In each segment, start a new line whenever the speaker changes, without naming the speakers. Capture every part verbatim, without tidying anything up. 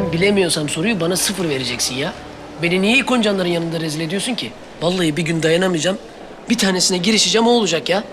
Ben bilemiyorsam soruyu bana sıfır vereceksin ya. Beni niye ikoncanların yanında rezil ediyorsun ki? Vallahi bir gün dayanamayacağım. Bir tanesine girişeceğim, o olacak ya.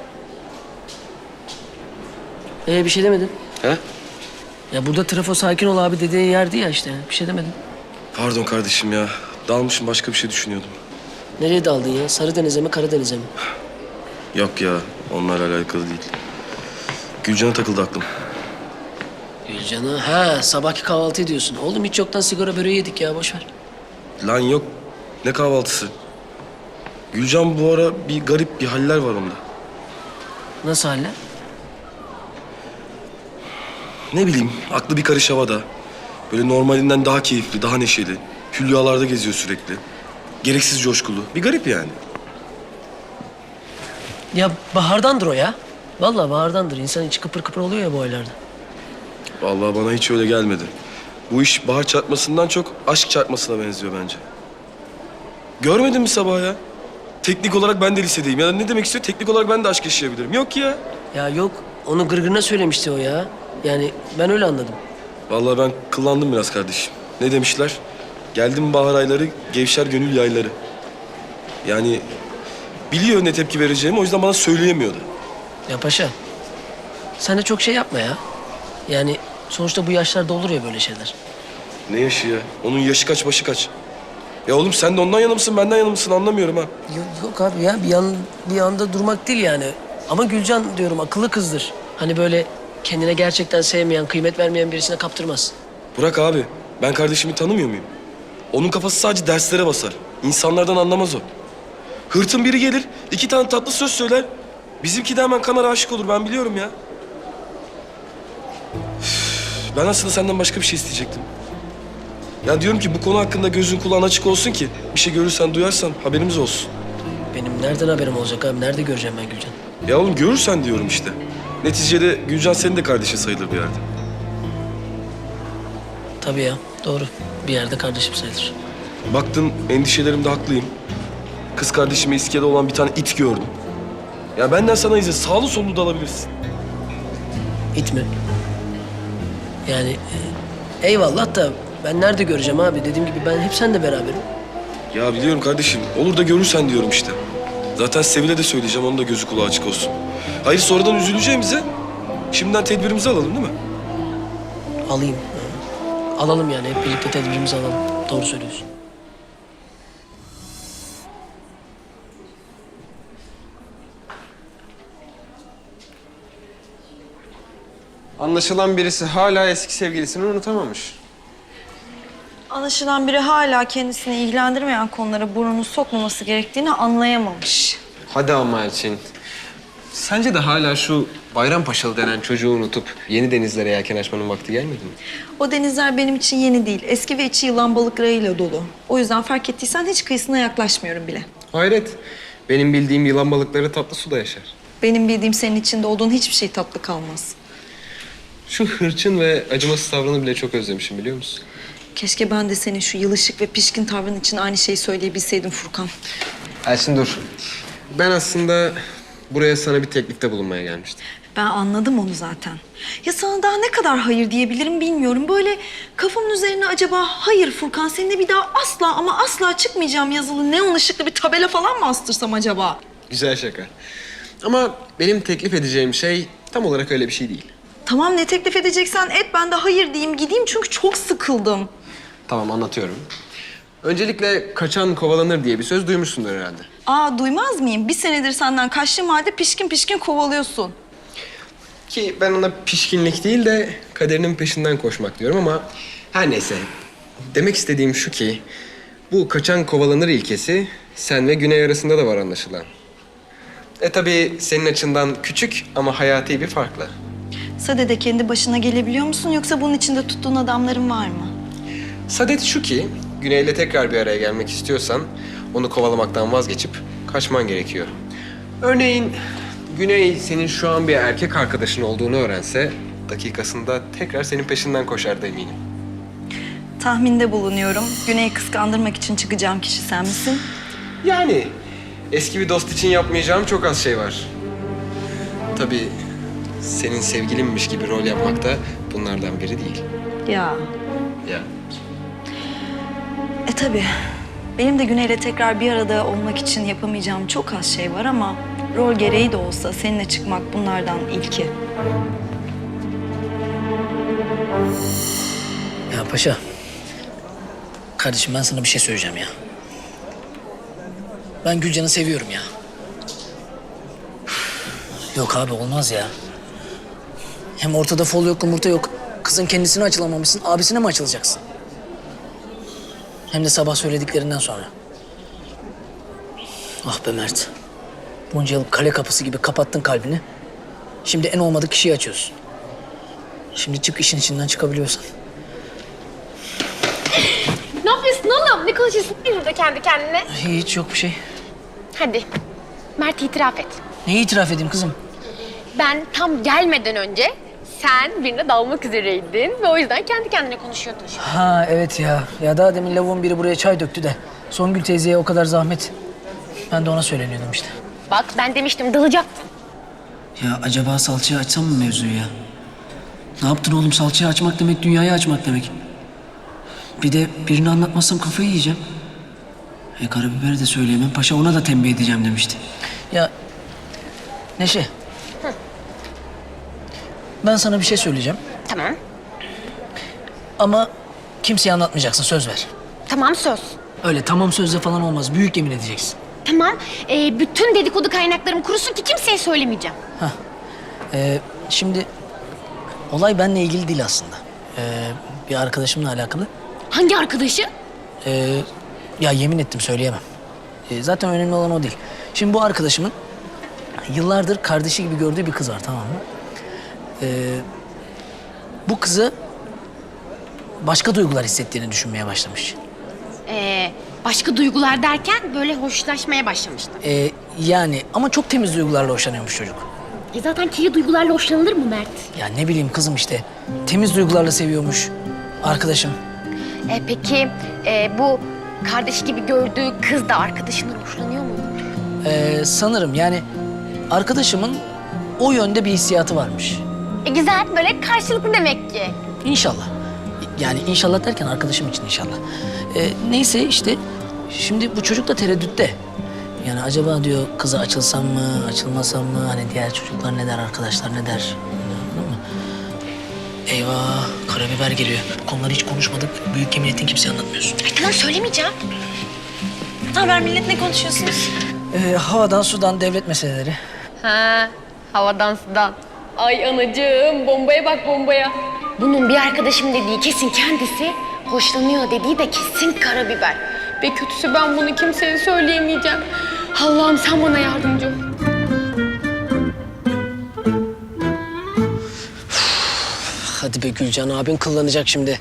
Ee bir şey demedin.
He?
Ya burada trafo sakin ol abi dediğin yerdi ya işte. Bir şey demedin.
Pardon kardeşim ya. Dalmışım, başka bir şey düşünüyordum.
Nereye daldın ya? Sarıdeniz'e mi, Karadeniz'e mi?
Yok ya, onlarla alakalı değil. Gülcan'a takıldı aklım.
Gülcan'a, ha sabahki kahvaltı ediyorsun. Oğlum hiç yoktan sigara böreği yedik ya, boş ver.
Lan yok, ne kahvaltısı? Gülcan bu ara bir garip bir haller var onda.
Nasıl halle?
Ne bileyim, aklı bir karış havada. Böyle normalinden daha keyifli, daha neşeli. Hülyalarda geziyor sürekli. Gereksiz coşkulu. Bir garip yani.
Ya bahardandır o ya. Vallahi bahardandır. İnsan içi kıpır kıpır oluyor ya bu aylarda.
Vallahi bana hiç öyle gelmedi. Bu iş bahar çarpmasından çok aşk çarpmasına benziyor bence. Görmedin mi sabah ya? Teknik olarak ben de lisedeyim. Ya ne demek istiyor? Teknik olarak ben de aşk yaşayabilirim. Yok ya.
Ya yok, onu gırgırına söylemişti o ya. Yani ben öyle anladım.
Vallahi ben kıllandım biraz kardeşim. Ne demişler? Geldim bahar ayları, gevşer gönül yayları. Yani biliyor ne tepki vereceğimi, o yüzden bana söyleyemiyordu.
Ya paşa, sen de çok şey yapma ya. Yani sonuçta bu yaşlarda olur ya böyle şeyler.
Ne yaşı ya? Onun yaşı kaç, başı kaç? Ya oğlum sen de ondan yana mısın, benden yana mısın anlamıyorum ha.
Yok, yok abi ya, bir yan bir anda durmak değil yani. Ama Gülcan diyorum akıllı kızdır. Hani böyle kendine gerçekten sevmeyen, kıymet vermeyen birisine kaptırmaz.
Bırak abi, ben kardeşimi tanımıyor muyum? Onun kafası sadece derslere basar. İnsanlardan anlamaz o. Hırtın biri gelir, iki tane tatlı söz söyler. Bizimki de hemen kanar aşık olur, ben biliyorum ya. Üf, ben aslında senden başka bir şey isteyecektim. Ya diyorum ki bu konu hakkında gözün kulağın açık olsun ki... ...bir şey görürsen, duyarsan haberimiz olsun.
Benim nereden haberim olacak abi? Nerede göreceğim ben Gülcan?
Ya oğlum görürsen diyorum işte. Neticede Gülcan senin de kardeşin sayılır bir yerde.
Tabii ya, doğru. Bir yerde kardeşim sayılır.
Baktın endişelerimde haklıyım. Kız kardeşime iskelede olan bir tane it gördüm. Ya benden sana izin, sağlı sollu da alabilirsin.
İt mi? Yani e, eyvallah da ben nerede göreceğim abi? Dediğim gibi ben hep seninle beraberim.
Ya biliyorum kardeşim, olur da görürsen diyorum işte. Zaten Sevil'e de söyleyeceğim, onun da gözü kulağı açık olsun. Hayır sonradan üzüleceğimize şimdiden tedbirimizi alalım değil mi?
Alayım. Ha. Alalım yani, hep birlikte tedbirimizi alalım. Doğru söylüyorsun.
Anlaşılan birisi hala eski sevgilisini unutamamış.
Anlaşılan biri hala kendisini ilgilendirmeyen konulara burnunu sokmaması gerektiğini anlayamamış.
Hadi ama Elçin. Sence de hala şu Bayrampaşalı denen çocuğu unutup yeni denizlere yelken açmanın vakti gelmedi mi?
O denizler benim için yeni değil. Eski ve içi yılan balıklarıyla dolu. O yüzden fark ettiysen hiç kıyısına yaklaşmıyorum bile.
Hayret. Benim bildiğim yılan balıkları tatlı suda yaşar.
Benim bildiğim senin içinde olduğun hiçbir şey tatlı kalmaz.
Şu hırçın ve acımasız tavrını bile çok özlemişim biliyor musun?
Keşke ben de senin şu yılışık ve pişkin tavrın için aynı şeyi söyleyebilseydim Furkan.
Elçin dur. Ben aslında buraya sana bir teklifte bulunmaya gelmiştim.
Ben anladım onu zaten. Ya sana daha ne kadar hayır diyebilirim bilmiyorum. Böyle kafamın üzerine acaba hayır Furkan seninle bir daha asla ama asla çıkmayacağım yazılı neon ışıklı bir tabela falan mı astırsam acaba?
Güzel şaka. Ama benim teklif edeceğim şey tam olarak öyle bir şey değil.
Tamam ne teklif edeceksen et ben de hayır diyeyim gideyim çünkü çok sıkıldım.
Tamam anlatıyorum. Öncelikle kaçan kovalanır diye bir söz duymuşsundur herhalde.
Aa duymaz mıyım? Bir senedir senden kaçtığım halde pişkin pişkin kovalıyorsun.
Ki ben ona pişkinlik değil de kaderinin peşinden koşmak diyorum ama her neyse. Demek istediğim şu ki bu kaçan kovalanır ilkesi sen ve Güney arasında da var anlaşılan. E tabii senin açından küçük ama hayati bir farkla.
Sade'de kendi başına gelebiliyor musun yoksa bunun içinde tuttuğun adamların var mı?
Sadet şu ki Güney'le tekrar bir araya gelmek istiyorsan onu kovalamaktan vazgeçip kaçman gerekiyor. Örneğin Güney senin şu an bir erkek arkadaşın olduğunu öğrense dakikasında tekrar senin peşinden koşardı eminim.
Tahminde bulunuyorum. Güney'i kıskandırmak için çıkacağım kişi sen misin?
Yani eski bir dost için yapmayacağım çok az şey var. Tabii senin sevgilinmiş gibi rol yapmak da bunlardan biri değil.
Ya
Ya.
E tabii. Benim de Güney'le tekrar bir arada olmak için yapamayacağım çok az şey var ama rol gereği de olsa seninle çıkmak bunlardan ilki.
Ya paşa. Kardeşim ben sana bir şey söyleyeceğim ya. Ben Gülcan'ı seviyorum ya. Yok abi olmaz ya. Hem ortada fol yok, yumurta yok. Kızın kendisine açılamamışsın, abisine mi açılacaksın? Hem de sabah söylediklerinden sonra. Ah be Mert. Bunca yıl kale kapısı gibi kapattın kalbini. Şimdi en olmadık kişiyi açıyorsun. Şimdi çık işin içinden çıkabiliyorsan.
Ne yapıyorsun oğlum? Ne konuşuyorsun burada kendi kendine?
Hiç yok bir şey.
Hadi. Mert itiraf et.
Neyi itiraf edeyim kızım?
Ben tam gelmeden önce sen birine dalmak üzereydin ve o yüzden kendi kendine konuşuyordun.
Ha evet ya. Ya daha demin lavuğun biri buraya çay döktü de. Songül teyzeye o kadar zahmet. Ben de ona söyleniyordum işte.
Bak ben demiştim dalacaktın.
Ya acaba salçayı açsam mı mevzuyu ya? Ne yaptın oğlum? Salçayı açmak demek dünyayı açmak demek. Bir de birini anlatmazsam kafayı yiyeceğim. E karabiberi de söyleyemem. Paşa ona da tembih edeceğim demişti. Ya Neşe. Ben sana bir şey söyleyeceğim.
Tamam.
Ama kimseye anlatmayacaksın. Söz ver.
Tamam söz.
Öyle tamam sözle falan olmaz. Büyük yemin edeceksin.
Tamam. Ee, bütün dedikodu kaynaklarım kurusun ki kimseye söylemeyeceğim.
Ee, şimdi olay benimle ilgili değil aslında. Ee, bir arkadaşımla alakalı.
Hangi arkadaşı?
Ee, ya yemin ettim söyleyemem. Ee, zaten önemli olan o değil. Şimdi bu arkadaşımın yıllardır kardeşi gibi gördüğü bir kız var, tamam mı? Ee, bu kızı başka duygular hissettiğini düşünmeye başlamış.
Ee, başka duygular derken böyle hoşlaşmaya başlamıştı.
Ee, yani ama çok temiz duygularla hoşlanıyormuş çocuk.
E zaten kirli duygularla hoşlanılır mı Mert?
Ya ne bileyim kızım işte. Temiz duygularla seviyormuş arkadaşım.
E, peki e, bu kardeşi gibi gördüğü kız da arkadaşından hoşlanıyor mu?
Ee, sanırım yani arkadaşımın o yönde bir hissiyatı varmış.
E, güzel, böyle karşılıklı demek ki.
İnşallah. Yani inşallah derken arkadaşım için inşallah. Ee, neyse işte şimdi bu çocuk da tereddütte. Yani acaba diyor kıza açılsam mı, açılmasam mı? Hani diğer çocuklar ne der, arkadaşlar ne der? Anladın mı? Eyvah, karabiber geliyor. Bu konuları hiç konuşmadık. Büyük yemin ettin kimseye anlatmıyorsun.
Ay, tamam söylemeyeceğim.
Ne haber millet, ne konuşuyorsunuz?
Ee, havadan sudan devlet meseleleri.
Ha, havadan sudan. Ay anacığım, bombaya bak bombaya. Bunun bir arkadaşım dediği kesin kendisi, hoşlanıyor dediği de kesin karabiber. Ve kötüsü ben bunu kimseye söyleyemeyeceğim. Allah'ım sen bana yardımcı ol.
Hadi be Gülcan, abin kıllanacak şimdi.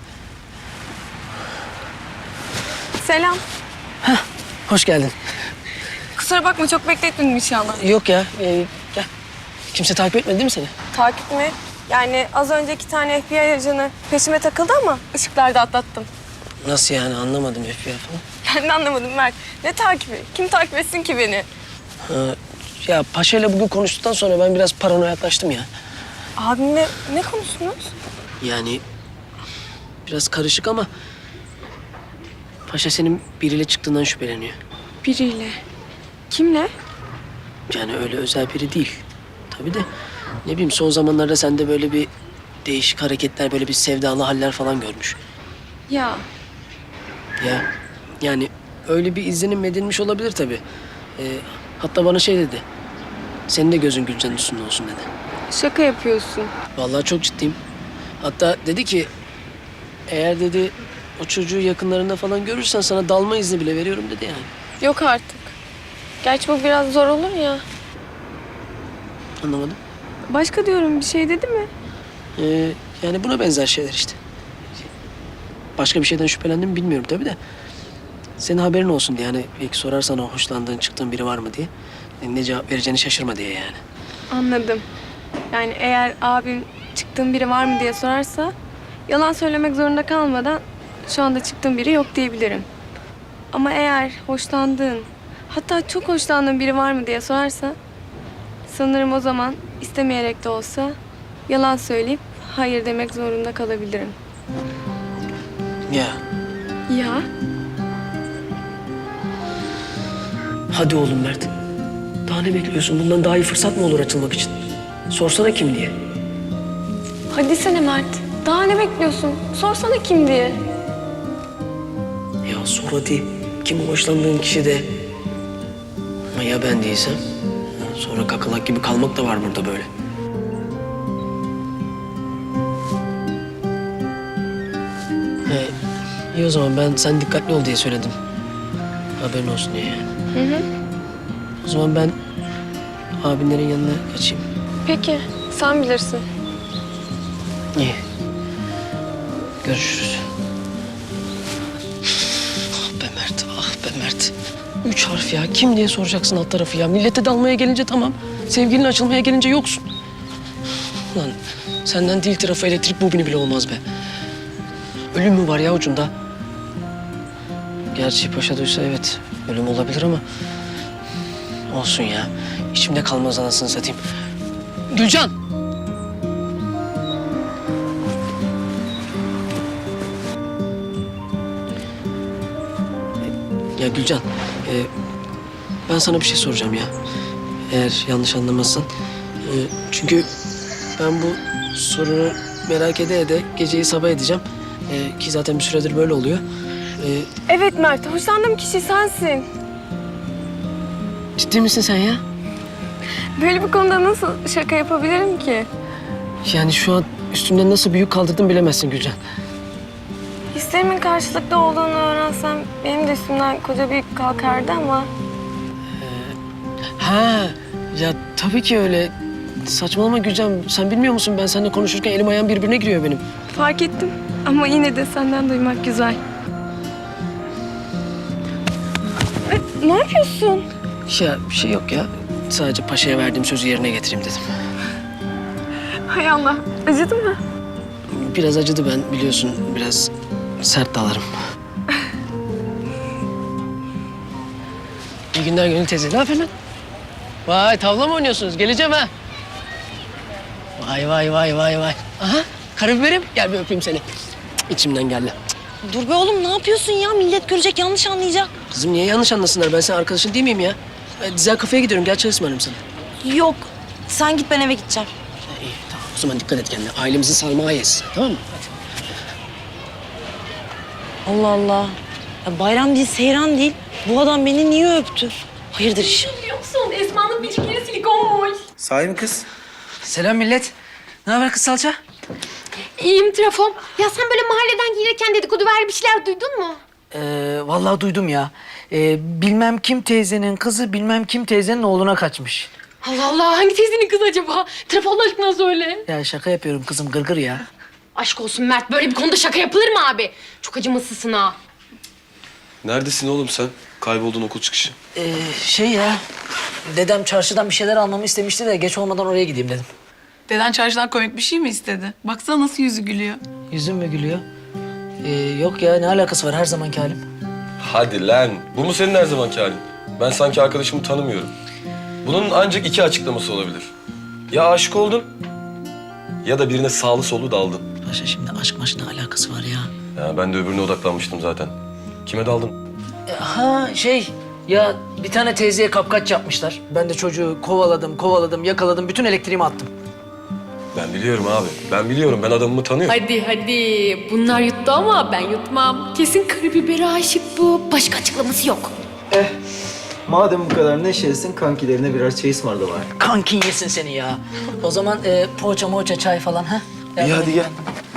Selam.
Hoş geldin.
Kusura bakma çok bekletmedim inşallah.
Yok ya, ee, gel. Kimse takip etmedi değil mi seni?
Takip mi? Yani az önce iki tane F B I ajanı peşime takıldı ama ışıklarda atlattım.
Nasıl yani, anlamadım F B I falan.
Ben de anlamadım Mert. Ne takibi? Kim takip etsin ki beni?
Ha, ya Paşa'yla bugün konuştuktan sonra ben biraz paranoyaklaştım ya.
Abimle ne konuştunuz?
Yani biraz karışık ama Paşa senin biriyle çıktığından şüpheleniyor.
Biriyle. Kimle?
Yani öyle özel biri değil. Tabii de ne bileyim son zamanlarda sende böyle bir değişik hareketler, böyle bir sevdalı haller falan görmüş.
Ya
Ya yani öyle bir izlenim edilmiş olabilir tabii. Ee, hatta bana şey dedi. Senin de gözün Gülcan'ın üstünde olsun dedi.
şaka yapıyorsun.
Vallahi çok ciddiyim. Hatta dedi ki eğer dedi o çocuğu yakınlarında falan görürsen sana dalma izni bile veriyorum dedi yani.
Yok artık. Gerçi bu biraz zor olur ya.
Anlamadım.
Başka diyorum bir şey dedi mi?
Ee, yani buna benzer şeyler işte. Başka bir şeyden şüphelendim mi bilmiyorum tabii de. Senin haberin olsun diye hani belki sorarsan o hoşlandığın, çıktığın biri var mı diye. Ne cevap vereceğini şaşırma diye yani.
Anladım. Yani eğer abim çıktığım biri var mı diye sorarsa yalan söylemek zorunda kalmadan şu anda çıktığım biri yok diyebilirim. Ama eğer hoşlandığın, hatta çok hoşlandığın biri var mı diye sorarsa sanırım o zaman istemeyerek de olsa yalan söyleyip hayır demek zorunda kalabilirim.
Ya
Ya
Hadi oğlum Mert. Daha ne bekliyorsun? Bundan daha iyi fırsat mı olur açılmak için? Sorsana kim diye.
Hadi sene Mert. Daha ne bekliyorsun? Sorsana kim diye.
Ya sor hadi. Kim hoşlandığın kişi de. Ama ya ben değilsem? Sonra kakalak gibi kalmak da var burada böyle. He, iyi o zaman ben sen dikkatli ol diye söyledim. Haberin olsun diye yani.
Hı hı.
O zaman ben abinlerin yanına kaçayım.
Peki, sen bilirsin.
İyi. Görüşürüz. Ah be Mert, ah be Mert. Üç harf ya. Kim diye soracaksın alt tarafı ya. Millete dalmaya gelince tamam. Sevgilin açılmaya gelince yoksun. Lan senden dil tarafı elektrik bobini bile olmaz be. Ölüm mü var ya ucunda? Gerçi paşa duysa evet ölüm olabilir ama... Olsun ya. İçimde kalmaz anasını satayım. Gülcan! Ya Gülcan, e, ben sana bir şey soracağım ya. Eğer yanlış anlamazsan. E, çünkü ben bu sorunu merak ede ede geceyi sabah edeceğim. E, ki zaten bir süredir böyle oluyor. E,
Evet Mert, hoşlandığım kişi sensin.
ciddi misin sen ya?
Böyle bir konuda nasıl şaka yapabilirim ki?
Yani şu an üstümden nasıl büyük kaldırdın bilemezsin Gülcan.
Hislerimin karşılıklı olduğunu öğrensem benim de üstümden koca büyük kalkardı ama...
Ha, ya tabii ki öyle. Saçmalama Gülcan. Sen bilmiyor musun ben seninle konuşurken elim ayağım birbirine giriyor benim.
Fark ettim ama yine de senden duymak güzel. E, ne yapıyorsun?
Ya bir şey yok ya. Sadece paşaya verdiğim sözü yerine getireyim dedim.
Hay Allah, acıdı mı?
Biraz acıdı ben biliyorsun. Biraz sert dalarım. İyi günler Gönül teyze. Ne yapıyorsun lan? Vay tavla mı oynuyorsunuz? Geleceğim ha. Vay vay vay vay vay. Aha karabiberim. Gel bir öpeyim seni. İçimden geldi.
Dur be oğlum ne yapıyorsun ya? Millet görecek yanlış anlayacak.
Kızım niye yanlış anlasınlar? Ben senin arkadaşın değil miyim ya? Ben Dizel kafeye gidiyorum. Gel çay ısmarlayayım sana.
Yok. Sen git ben eve gideceğim.
Ha, iyi tamam. O zaman dikkat et kendine. Ailemizin sarmağı yes. Tamam mı? Hadi.
Allah Allah. Ya bayram değil, seyran değil. Bu adam beni niye öptü? Hayırdır iş?
Biliyor musun? Esma'nın biçimleri silikonmuş.
Sahi mi kız?
Selam millet. Ne haber kız salça?
İyiyim Trafom. Ya sen böyle mahalleden gelirken dedikodu ver bir şeyler duydun mu?
Ee, vallahi duydum ya. Ee, bilmem kim teyzenin kızı bilmem kim teyzenin oğluna kaçmış.
Allah Allah, hangi teyzenin kızı acaba? Trafo Allah aşkına söyle.
Ya şaka yapıyorum kızım gırgır ya.
Aşk olsun Mert, böyle bir konuda şaka yapılır mı abi? Çok acımasızsın ha.
Neredesin oğlum sen? Kayboldun okul çıkışı.
Ee, şey ya, dedem çarşıdan bir şeyler almamı istemişti de geç olmadan oraya gideyim dedim.
Deden çarşıdan komik bir şey mi istedi? Baksana nasıl yüzü gülüyor.
Yüzüm mü gülüyor? Ee, yok ya ne alakası var her zamanki halim.
Hadi lan. Bu mu senin her zamanki halin? Ben sanki arkadaşımı tanımıyorum. Bunun ancak iki açıklaması olabilir. Ya aşık oldun ya da birine sağlı sollu daldın.
Paşa şimdi aşk maşk ne alakası var ya?
Ya ben de öbürüne odaklanmıştım zaten. Kime daldın?
Ee, ha şey ya bir tane teyzeye kapkaç yapmışlar. Ben de çocuğu kovaladım kovaladım yakaladım bütün elektriğimi attım.
Ben biliyorum abi. Ben biliyorum. Ben adamımı tanıyorum.
Hadi hadi, bunlar yuttu ama ben yutmam. Kesin karabibere aşık bu. Başka açıklaması yok.
Eh, madem bu kadar neşelisin kankilerine birer çay ısmarla var.
Kankin yesin seni ya. O zaman e, poğaça moğaça çay falan ha?
İyi hadi gel.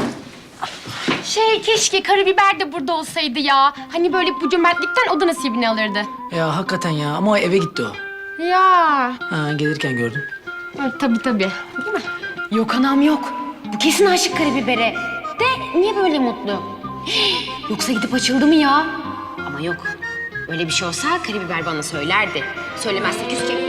Şey, keşke karabiber de burada olsaydı ya. Hani böyle bu cömertlikten o da nasibini alırdı.
Ya hakikaten ya ama o eve gitti o.
Ya.
Ha gelirken gördüm.
Evet, tabii tabii. Değil mi? Yok anam yok. Bu kesin aşık karabibere. De niye böyle mutlu? Yoksa gidip açıldı mı ya? Ama yok. Öyle bir şey olsa karabiber bana söylerdi. Söylemezse küsecek.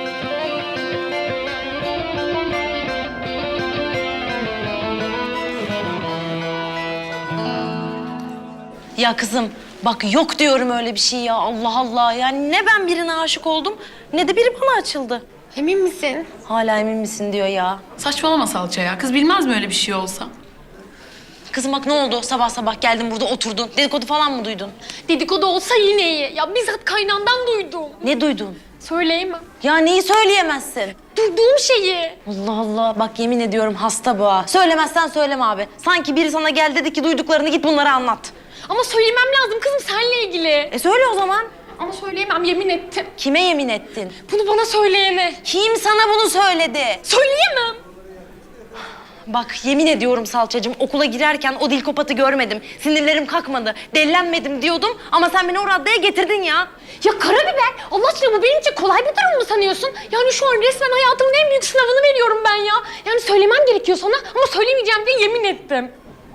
Ya kızım bak yok diyorum öyle bir şey ya Allah Allah. Yani ne ben birine aşık oldum ne de biri bana açıldı.
Emin misin?
Hala emin misin diyor ya.
Saçmalama salça ya. Kız bilmez mi öyle bir şey olsa?
Kızım bak ne oldu? Sabah sabah geldin burada oturdun. Dedikodu falan mı duydun?
Dedikodu olsa yine iyi. Ya bizzat kaynandan duydum.
Ne duydun?
Söyleyemem.
Ya neyi söyleyemezsin?
Duyduğum şeyi.
Allah Allah bak yemin ediyorum hasta bu ha. Söylemezsen söyleme abi. Sanki biri sana gel dedi ki duyduklarını git bunlara anlat.
Ama söylemem lazım kızım seninle ilgili.
E söyle o zaman.
Ama söyleyemem yemin ettim.
Kime yemin ettin?
Bunu bana söyleyene.
Kim sana bunu söyledi?
Söyleyemem.
Bak yemin ediyorum salçacığım okula girerken o dilkopatı görmedim. Sinirlerim kalkmadı. Dellenmedim diyordum ama sen beni o raddeye getirdin ya.
Ya karabiber Allah aşkına bu benim için kolay bir durum mu sanıyorsun? Yani şu an resmen hayatımın en büyük sınavını veriyorum ben ya. Yani söylemem gerekiyor sana ama söylemeyeceğim diye yemin ettim.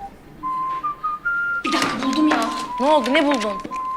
Bir dakika buldum ya.
Ne oldu ne buldun?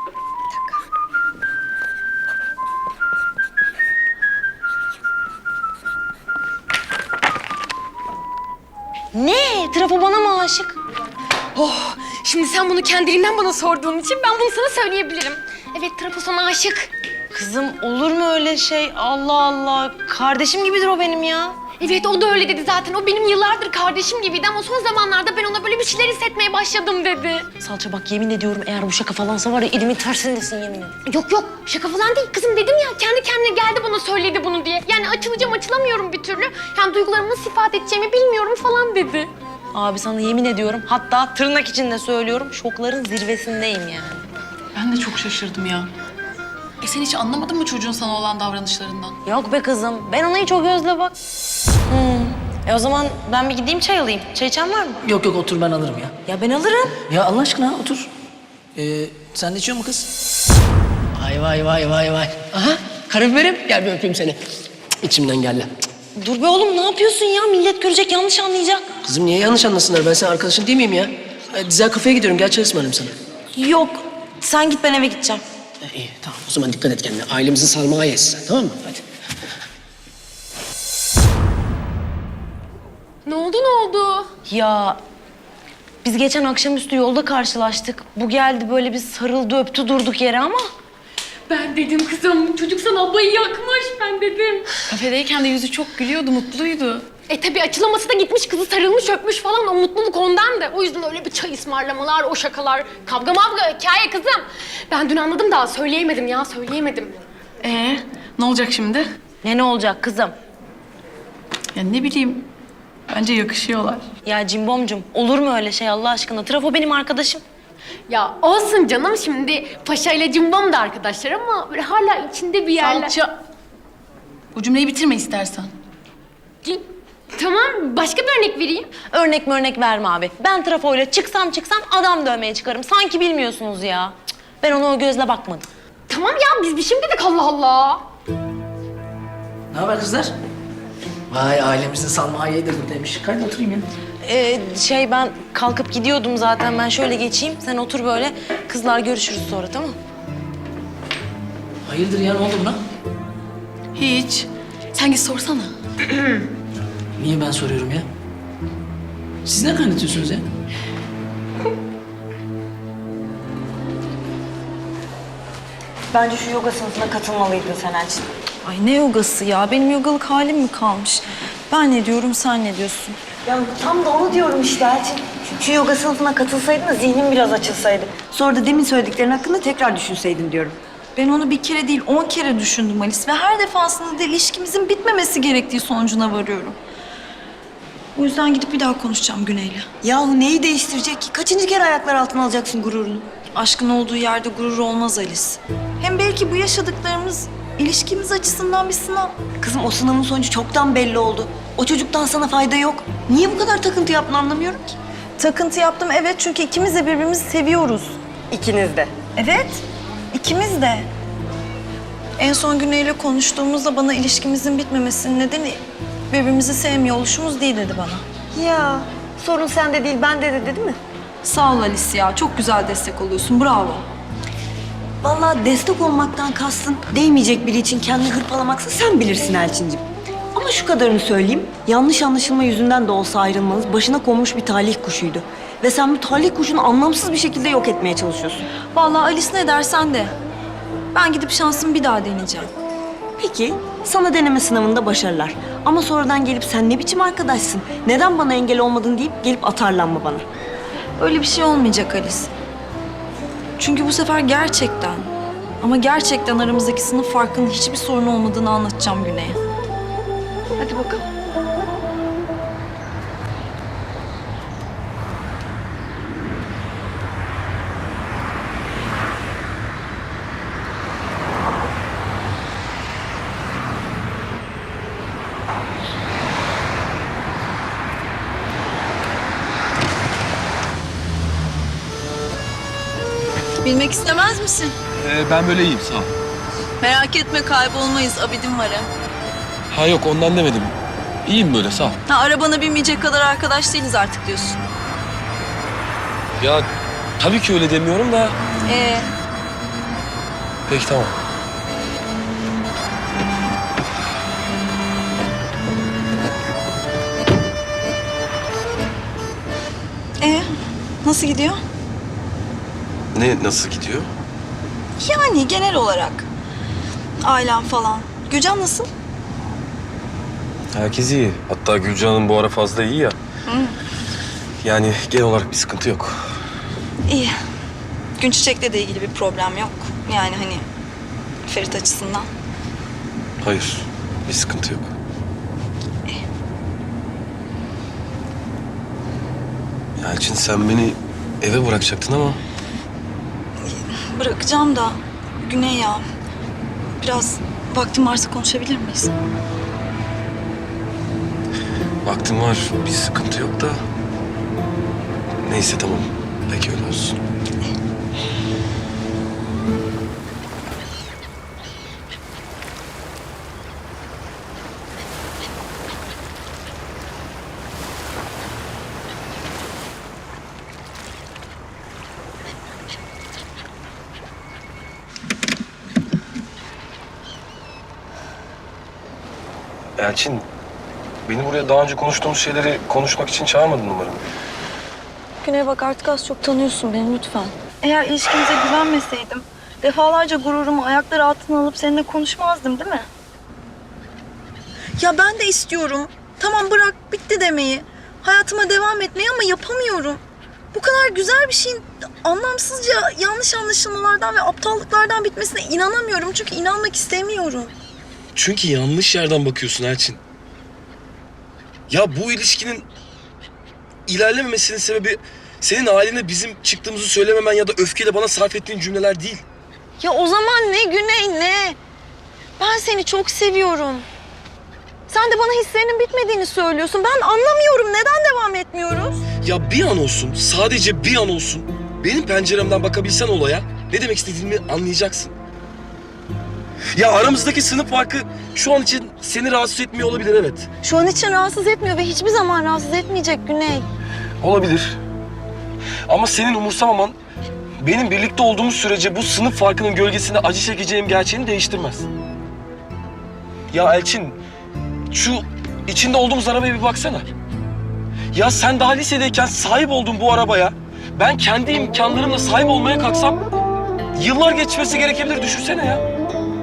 Ne? Trafo bana mı aşık?
Oh, şimdi sen bunu kendiliğinden bana sorduğun için ben bunu sana söyleyebilirim. Evet, Trafo sana aşık.
Kızım olur mu öyle şey? Allah Allah. Kardeşim gibidir o benim ya.
Evet, o da öyle dedi zaten. O benim yıllardır kardeşim gibiydi ama son zamanlarda ben ona böyle bir şeyler hissetmeye başladım dedi.
Salça bak yemin ediyorum eğer bu şaka falansa var ya elimin tersindesin yemin ederim.
Yok yok, şaka falan değil kızım dedim ya. Kendi kendine geldi bana söyledi bunu diye. Yani açılacağım açılamıyorum bir türlü. Yani duygularımı nasıl ifade edeceğimi bilmiyorum falan dedi.
Abi sana yemin ediyorum hatta tırnak içinde söylüyorum şokların zirvesindeyim yani.
Ben de çok şaşırdım ya. E sen hiç anlamadın mı çocuğun sana olan davranışlarından?
Yok be kızım ben ona hiç o gözle bak. Hmm. E o zaman ben bir gideyim çay alayım. Çay içen var mı?
Yok yok otur ben alırım ya.
Ya ben alırım.
Ya Allah aşkına otur. Ee, sen de içiyor mu kız?
Vay vay vay vay vay. Aha karabiberim gel bir öpeyim seni. Cık, İçimden geldi. Cık.
Dur be oğlum ne yapıyorsun ya? Millet görecek yanlış anlayacak.
Kızım niye yanlış anlasınlar? Ben senin arkadaşın değil miyim ya? E, Dizel kafeye gidiyorum. Gel çay ısmarlayayım sana.
Yok sen git ben eve gideceğim.
E, iyi tamam o zaman dikkat et kendine. Ailemizin sarmağı yesin sen tamam mı? Hadi.
Ne oldu ne oldu?
Ya biz geçen akşamüstü yolda karşılaştık. Bu geldi böyle bir sarıldı öptü durduk yere ama.
Ben dedim kızım çocuk sana abayı yakmış ben dedim.
Kafedeyken de yüzü çok gülüyordu, mutluydu.
E tabii açılaması da gitmiş kızı sarılmış öpmüş falan o mutluluk ondan da. O yüzden öyle bir çay ısmarlamalar, o şakalar, kavga mavga, hikaye kızım. Ben dün anladım daha söyleyemedim ya söyleyemedim.
Ee, ne olacak şimdi?
Ne ne olacak kızım?
Ya ne bileyim, bence yakışıyorlar.
Ya Cimbomcum olur mu öyle şey Allah aşkına? Trafo benim arkadaşım.
Ya olsun canım şimdi Paşa ile Cimbom da arkadaşlar ama böyle hala içinde bir yerler...
Salça. Bu cümleyi bitirme istersen.
Cin- Tamam başka bir örnek vereyim.
Örnek mi örnek verme abi. Ben trafoyla çıksam çıksam adam dövmeye çıkarım. Sanki bilmiyorsunuz ya. Cık, ben ona o gözle bakmadım.
Tamam ya biz bir şey mi dedik Allah Allah.
Ne haber kızlar? Vay ailemizin salmağı de buradaymış. Kaydı oturayım ya.
Ee, şey ben kalkıp gidiyordum zaten. Ben şöyle geçeyim. Sen otur böyle. Kızlar görüşürüz sonra tamam mı?
Hayırdır ya ne oldu buna?
Hiç. Sen git sorsana.
Niye ben soruyorum ya? Siz ne kaynatıyorsunuz ya?
Bence şu yoga sınıfına katılmalıydın sen Elçin.
Ay ne yogası ya? Benim yogalık halim mi kalmış? Ben ne diyorum, sen ne diyorsun?
Ya tam da onu diyorum işte Elçin. Şu, şu yoga sınıfına katılsaydın da zihnin biraz açılsaydı. Sonra da demin söylediklerin hakkında tekrar düşünseydin diyorum.
Ben onu bir kere değil, on kere düşündüm Alice. Ve her defasında da ilişkimizin bitmemesi gerektiği sonucuna varıyorum. O yüzden gidip bir daha konuşacağım Güney'le.
Yahu neyi değiştirecek ki? Kaçıncı kere ayaklar altına alacaksın gururunu?
Aşkın olduğu yerde gurur olmaz Alice. Hem belki bu yaşadıklarımız ilişkimiz açısından bir sınav.
Kızım o sınavın sonucu çoktan belli oldu. O çocuktan sana fayda yok. Niye bu kadar takıntı yaptın anlamıyorum ki.
Takıntı yaptım evet çünkü ikimiz de birbirimizi seviyoruz.
İkiniz de.
Evet, ikimiz de. En son Güney'le konuştuğumuzda bana ilişkimizin bitmemesinin nedeni birbirimizi sevmiyor oluşumuz değil dedi bana.
Ya sorun sende değil bende de dedi mi?
Sağ ol Alice ya, çok güzel destek oluyorsun, bravo.
Vallahi destek olmaktan kastın değmeyecek biri için kendini hırpalamaksa sen bilirsin Elçincim. Ama şu kadarını söyleyeyim, yanlış anlaşılma yüzünden de olsa ayrılmanız başına konmuş bir talih kuşuydu. Ve sen bu talih kuşunu anlamsız bir şekilde yok etmeye çalışıyorsun.
Vallahi Alice ne dersen de. Ben gidip şansımı bir daha deneyeceğim.
Peki, sana deneme sınavında başarılar. Ama sonradan gelip sen ne biçim arkadaşsın, neden bana engel olmadın deyip gelip atarlanma bana.
Öyle bir şey olmayacak Alice. Çünkü bu sefer gerçekten ama gerçekten aramızdaki sınıf farkının hiçbir sorun olmadığını anlatacağım Güney'e. Hadi bakalım. Bilmek istemez misin?
Ee, ben böyle iyiyim sağ ol.
Merak etme, kaybolmayız. Abidim var hem.
Ha yok ondan demedim. İyiyim böyle sağ ol.
Ha, arabana binmeyecek kadar arkadaş değiliz artık diyorsun.
Ya tabii ki öyle demiyorum da.
Ee,
Peki tamam.
ee, nasıl gidiyor?
Ne nasıl gidiyor?
Yani genel olarak. Ailem falan. Gülcan nasıl?
Herkes iyi. Hatta Gülcan'ın bu ara fazla iyi ya. Yani genel olarak bir sıkıntı yok.
İyi. Gün Çiçek'le de ilgili bir problem yok. Yani hani Ferit açısından.
Hayır, bir sıkıntı yok. Elçin sen beni eve bırakacaktın ama
Bırakacağım da Güney ya. Biraz vaktim varsa konuşabilir miyiz?
vaktim var, bir sıkıntı yok da. Neyse tamam, peki öyle olsun. Elçin, beni buraya daha önce konuştuğumuz şeyleri konuşmak için çağırmadın umarım.
Güney bak, artık az çok tanıyorsun beni, lütfen. Eğer ilişkimize güvenmeseydim defalarca gururumu ayakları altına alıp seninle konuşmazdım, değil mi? Ya ben de istiyorum. Tamam, bırak bitti demeyi. Hayatıma devam etmeyi ama yapamıyorum. Bu kadar güzel bir şeyin anlamsızca yanlış anlaşılmalardan ve aptallıklardan bitmesine inanamıyorum. Çünkü inanmak istemiyorum.
Çünkü yanlış yerden bakıyorsun Elçin. Ya bu ilişkinin ilerlememesinin sebebi senin ailene bizim çıktığımızı söylememen ya da öfkeyle bana sarf ettiğin cümleler değil.
Ya o zaman ne Güney, ne? Ben seni çok seviyorum. Sen de bana hislerinin bitmediğini söylüyorsun. Ben anlamıyorum. Neden devam etmiyoruz?
Ya bir an olsun, sadece bir an olsun benim penceremden bakabilsen olaya ne demek istediğimi anlayacaksın. Ya aramızdaki sınıf farkı şu an için seni rahatsız etmiyor olabilir, evet.
Şu an için rahatsız etmiyor ve hiçbir zaman rahatsız etmeyecek Güney.
Olabilir. Ama senin umursamaman benim birlikte olduğumuz sürece bu sınıf farkının gölgesinde acı çekeceğim gerçeğini değiştirmez. Ya Elçin, şu içinde olduğumuz arabaya bir baksana. Ya sen daha lisedeyken sahip olduğun bu arabaya ben kendi imkanlarımla sahip olmaya kalksam yıllar geçmesi gerekebilir, düşünsene ya.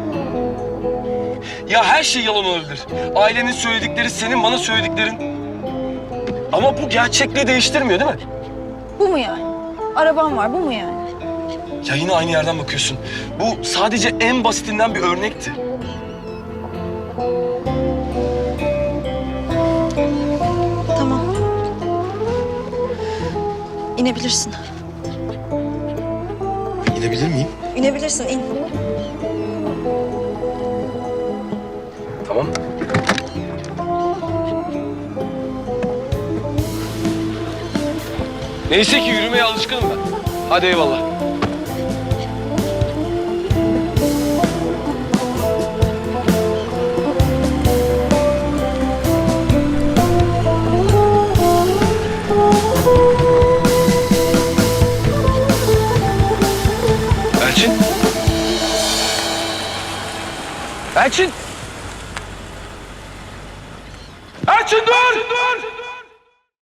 Ya her şey yalan olabilir. Ailenin söyledikleri, senin bana söylediklerin. Ama bu gerçekliği değiştirmiyor değil mi?
Bu mu yani? Arabam var, bu mu yani?
Ya yine aynı yerden bakıyorsun. Bu sadece en basitinden bir örnekti.
Tamam. İnebilirsin.
İnebilir miyim?
İnebilirsin, in.
Tamam. Neyse ki yürümeye alışkınım ben. Hadi eyvallah. Elçin. Elçin. Elçin dur! Elçin dur!